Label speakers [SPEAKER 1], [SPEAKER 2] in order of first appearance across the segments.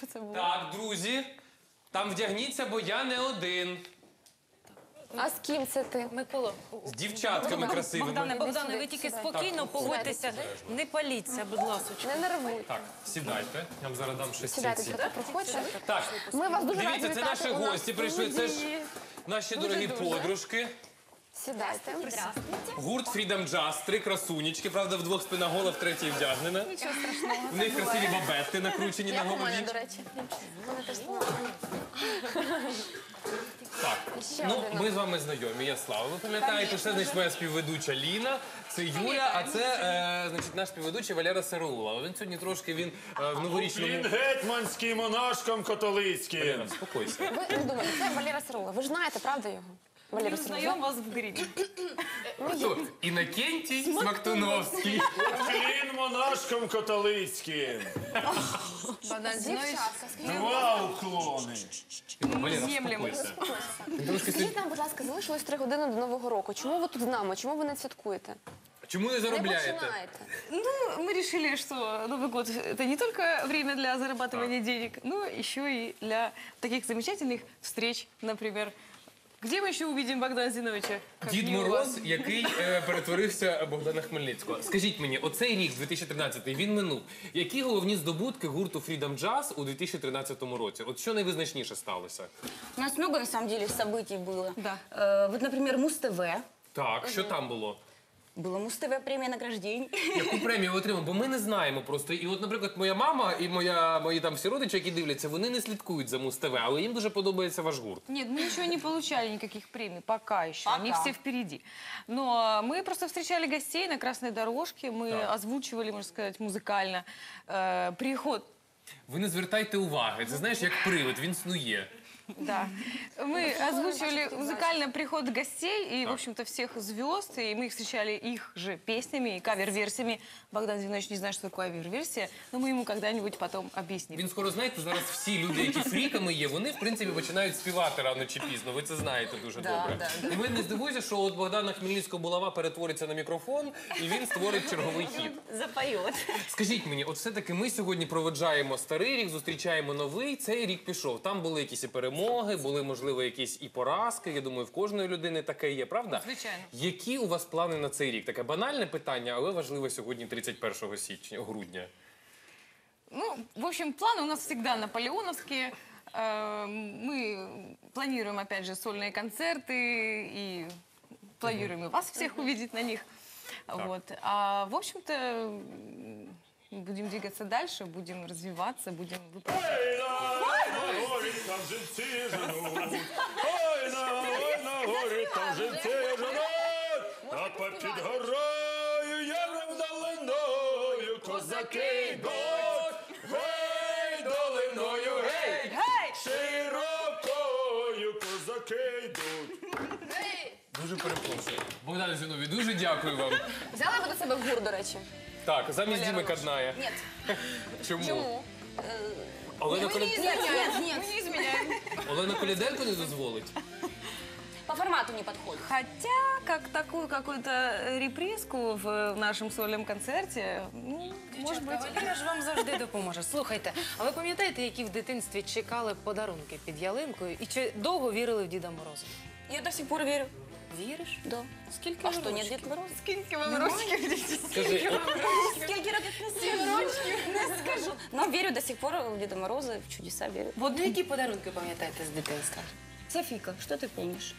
[SPEAKER 1] що це було.
[SPEAKER 2] Так, друзі, там вдягніться, бо я не один.
[SPEAKER 3] А з ким це ти?
[SPEAKER 1] Микола,
[SPEAKER 2] З дівчатками красивими.
[SPEAKER 1] Богдане, ви тільки спокійно поводьтеся, не паліться, будь ласка.
[SPEAKER 3] Не нервуй.
[SPEAKER 2] Так, сідайте. Я вам зараз дам щось
[SPEAKER 3] Сідайте,
[SPEAKER 2] ці.
[SPEAKER 3] проходьте.
[SPEAKER 2] Так,
[SPEAKER 3] Ми вас дуже раді
[SPEAKER 2] дивіться, це
[SPEAKER 3] вітати
[SPEAKER 2] наші
[SPEAKER 3] у нас
[SPEAKER 2] гості
[SPEAKER 3] в
[SPEAKER 2] прийшли. Це ж
[SPEAKER 3] студії.
[SPEAKER 2] наші дорогі подружки.
[SPEAKER 3] Сідайте.
[SPEAKER 2] Гурт Freedom Jazz, 3 красунечки. Правда, в 2 спина гола, в 3 вдягнена.
[SPEAKER 1] Нічого страшного.
[SPEAKER 2] В них красиві бабетти накручені на
[SPEAKER 3] Як у мене,
[SPEAKER 2] голові.
[SPEAKER 3] до речі. У мене теж було.
[SPEAKER 2] Так,
[SPEAKER 3] Ще
[SPEAKER 2] ну
[SPEAKER 3] один.
[SPEAKER 2] ми з вами знайомі, я Слава. Ви пам'ятаєте, це значить моя співведуча Ліна, це Юля, а це значить наш співведучий Валера Сарула. Він сьогодні трошки в новорічному...
[SPEAKER 4] Він гетьманський монашком католицьким.
[SPEAKER 2] Валера, спокойся.
[SPEAKER 3] Ви не думайте, це Валера Сарула. Ви ж знаєте, правда його? Валера Сарула.
[SPEAKER 1] Знайом вас в грі.
[SPEAKER 2] Хто? Інокентій Смоктуновський.
[SPEAKER 4] Він монашком католицьким.
[SPEAKER 3] Дівчатка, скажіть,
[SPEAKER 4] Два уклони.
[SPEAKER 2] Валера,
[SPEAKER 1] З'ємлемо.
[SPEAKER 2] спокойся. Трошки
[SPEAKER 3] скажіть нам, будь ласка, залишилось 3 години до Нового року. Чому ви тут з нами? Чому ви не святкуєте?
[SPEAKER 2] Чому не
[SPEAKER 3] Не
[SPEAKER 2] заробляєте?
[SPEAKER 3] починаєте.
[SPEAKER 1] Ну, мы решили, что Новый год – это не только время для зарабатывания денег, но еще и для таких замечательных встреч, например. Где мы еще увидим Богдана Зиновича? как
[SPEAKER 2] Дід
[SPEAKER 1] не у
[SPEAKER 2] Мороз,
[SPEAKER 1] вас?
[SPEAKER 2] який перетворився Богдана Хмельницького. Скажіть мені, оцей рік, 2013, він минув. Які головні здобутки гурту Freedom Jazz у 2013 році? От що найвизначніше сталося?
[SPEAKER 5] У нас много, на самом деле, событий было.
[SPEAKER 1] Да.
[SPEAKER 5] Вот, например, Муз-ТВ.
[SPEAKER 2] Так, що там було?
[SPEAKER 5] Было Муз-ТВ премия награждений.
[SPEAKER 2] Яку премію ви отримали? Бо ми не знаємо просто. І от, наприклад, моя мама і мої там всі родичі, які дивляться, вони не слідкують за Муз-ТВ, але їм дуже подобається ваш гурт.
[SPEAKER 1] Нет, мы еще не получали никаких премий, пока еще.
[SPEAKER 5] Пока.
[SPEAKER 1] Они все впереди. Но мы просто встречали гостей на красной дорожке, мы озвучивали, можно сказать, музыкально приход.
[SPEAKER 2] Ви не звертайте уваги, це знаєш, як привид, він снує.
[SPEAKER 1] Да. Мы озвучивали музыкально приход гостей и, в общем-то, всех звезд, и мы их встречали их же песнями и кавер-версиями. Богдан Зинович не знает, что такое кавер-версия, но мы ему когда-нибудь потом объясним.
[SPEAKER 2] Він скоро, знаєте, зараз всі люди, які фріками є, вони, в принципі, починають співати рано чи пізно. Ви це знаєте дуже добре. І ви не здивуєтеся, що от Богдана Хмельницького булава перетвориться на мікрофон, і він створить черговий хіт.
[SPEAKER 5] Запоет.
[SPEAKER 2] Скажіть мені, от все-таки ми сьогодні проведжаємо старий рік, зустрічаємо новий, цей рік пішов. Там були якісь і перемоги, були, можливо, якісь і поразки. Я думаю, в кожної людини таке є, правда?
[SPEAKER 1] Звичайно.
[SPEAKER 2] Які у вас плани на цей рік? Таке банальне питання, але важливе сьогодні, 31 грудня.
[SPEAKER 1] Ну, в общем, планы у нас всегда наполеоновские. Мы планируем, опять же, сольные концерты и планируем и вас всех увидеть на них. Вот. А, в общем-то, будем двигаться дальше, будем развиваться, будем выпускать.
[SPEAKER 4] Ой, на горі там живці женуть. Ой, на горі там живці женуть. А попід горою вдалиною козаки йдуть. Гей, долиною, гей! Широкою козаки йдуть.
[SPEAKER 2] Дуже перепрошую. Богдане Зіновій, дуже дякую вам.
[SPEAKER 3] Взяла ви до себе в гурт, до речі?
[SPEAKER 2] Так, замість Діми Кадная.
[SPEAKER 5] Нет.
[SPEAKER 2] Чому?
[SPEAKER 3] Чому?
[SPEAKER 2] Олена,
[SPEAKER 5] Нет, нет.
[SPEAKER 1] Мы не изменяем.
[SPEAKER 2] Олена Коляденко не дозволить?
[SPEAKER 5] По формату не подходит.
[SPEAKER 1] Хотя, как такую какую-то реприску в нашем сольном концерте, ну, может быть...
[SPEAKER 6] Валера ж вам завжди допоможе. Слухайте, а ви пам'ятаєте, які в дитинстві чекали подарунки під ялинкою і чи довго вірили в Діда Мороза?
[SPEAKER 5] Я до сих пор верю.
[SPEAKER 6] Віриш?
[SPEAKER 5] Да.
[SPEAKER 6] Скільки
[SPEAKER 5] А что, нет Дед Мороза?
[SPEAKER 1] Скиньте вам ручки, дети.
[SPEAKER 2] Скажи,
[SPEAKER 5] Сколько раз не скажу. Но верю до сих пор в Деда Мороза, в чудеса верю.
[SPEAKER 6] От які подарунки пам'ятаєте з дитинства?
[SPEAKER 5] Софика, что ты помнишь?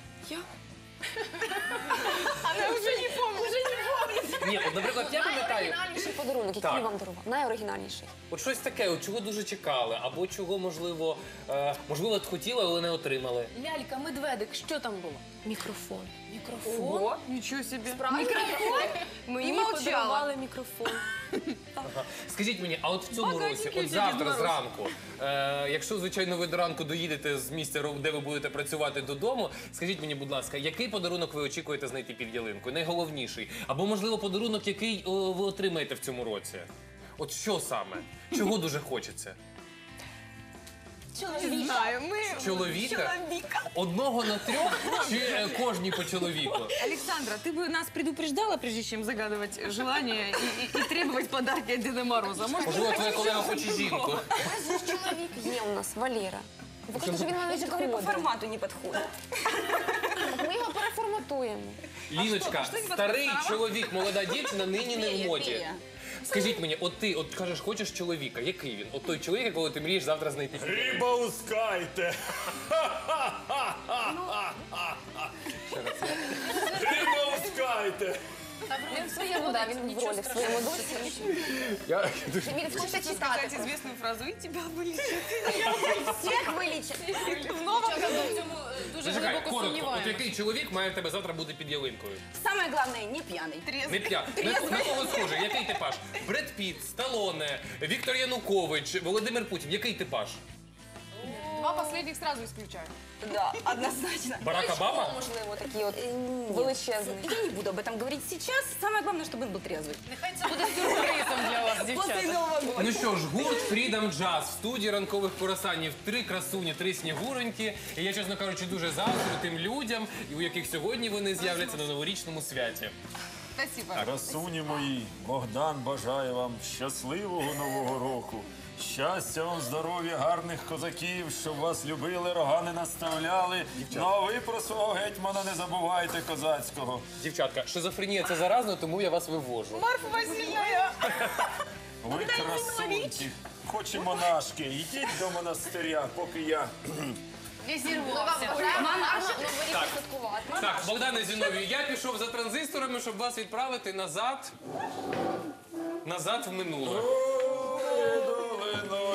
[SPEAKER 2] ні, от, наприклад, я пам'ятаю,
[SPEAKER 3] Найоригінальніший подарунок, який
[SPEAKER 2] Так.
[SPEAKER 3] вам дарував. Найоригінальніший.
[SPEAKER 2] от щось таке, от чого дуже чекали, або чого, можливо, от хотіли, але не отримали.
[SPEAKER 6] Лялька, медведик, що там було? Мікрофон. Мікрофон?
[SPEAKER 1] Ого, ничего себе.
[SPEAKER 6] Мені подарували мікрофон.
[SPEAKER 2] Скажіть мені, а от в цьому
[SPEAKER 1] Багатенький
[SPEAKER 2] році, от
[SPEAKER 1] Дід
[SPEAKER 2] завтра
[SPEAKER 1] Мороз.
[SPEAKER 2] зранку, якщо, звичайно, ви до ранку доїдете з місця, де ви будете працювати додому, скажіть мені, будь ласка, який подарунок ви очікуєте знайти під ялинкою? Найголовніший? Або, можливо, подарунок, який ви отримаєте в цьому році? От що саме? Чого дуже хочеться?
[SPEAKER 1] Не знаю, мы...
[SPEAKER 2] Чоловіка? Одного на трьох чи кожній по чоловіку?
[SPEAKER 1] Александра, ты бы нас предупреждала, прежде чем загадывать желание и требовать подарки от Деда Мороза? Может,
[SPEAKER 2] Можливо, твоя колега хоче жінку.
[SPEAKER 3] Чоловік є у нас, Валера. Ви кажете, що він мене
[SPEAKER 5] Я же говорю, по
[SPEAKER 3] відходить.
[SPEAKER 5] формату не подходит.
[SPEAKER 3] Ми його переформатуємо.
[SPEAKER 2] Ліночка,
[SPEAKER 1] що не
[SPEAKER 2] старий
[SPEAKER 1] підписала?
[SPEAKER 2] чоловік, молода дівчина нині не в моді.
[SPEAKER 5] Фея.
[SPEAKER 2] Скажіть мені, от ти кажеш, хочеш чоловіка. Який він? От той чоловік, якого ти мрієш завтра знайти.
[SPEAKER 4] Рибаускайте! Рибаускайте!
[SPEAKER 3] Він в своєму, да, він в ролі, в своєму досі.
[SPEAKER 2] Я
[SPEAKER 3] Він вчиться читати.
[SPEAKER 1] сказать известную фразу, и тебя вылечат.
[SPEAKER 3] Всіх вилічить.
[SPEAKER 1] В новом году.
[SPEAKER 2] Зачекай, коротко. От який чоловік має в тебе завтра бути під ялинкою?
[SPEAKER 5] Самое главное, не пьяный.
[SPEAKER 2] Не п'я. На кого схожий? Який типаж? Бред Піт, Сталоне, Віктор Янукович, Володимир Путін. Який типаж?
[SPEAKER 1] Два последних сразу исключаю.
[SPEAKER 5] Да, однозначно.
[SPEAKER 2] Барак Обама?
[SPEAKER 3] Можливо, такий от величезний.
[SPEAKER 5] Я не буду об этом говорить сейчас. Самое главное, чтобы он был трезвый.
[SPEAKER 6] Нехай це буде сюрпризом для вас,
[SPEAKER 5] После
[SPEAKER 6] дівчата.
[SPEAKER 5] Нового года.
[SPEAKER 2] Ну що ж, гурт Freedom Jazz в студії ранкових курасанів. 3 красуні, 3 снігуроньки. І я, чесно кажучи, дуже заздрю тим людям, у яких сьогодні вони з'являться на новорічному святі.
[SPEAKER 1] Спасибо.
[SPEAKER 4] Красуні мої, Богдан бажає вам щасливого Нового року. Щастя вам, здоров'я, гарних козаків, щоб вас любили, рога не наставляли. Ну а ви про свого гетьмана не забувайте козацького.
[SPEAKER 2] Дівчатка, шизофренія це заразно, тому я вас вивожу.
[SPEAKER 1] Марфа Васильевна.
[SPEAKER 4] Ви красуньки, хоч і монашки, йдіть до монастиря, поки я...
[SPEAKER 6] Не зірвався.
[SPEAKER 2] Так, Богдане Зіновію, я пішов за транзисторами, щоб вас відправити назад в минуле.
[SPEAKER 4] Долино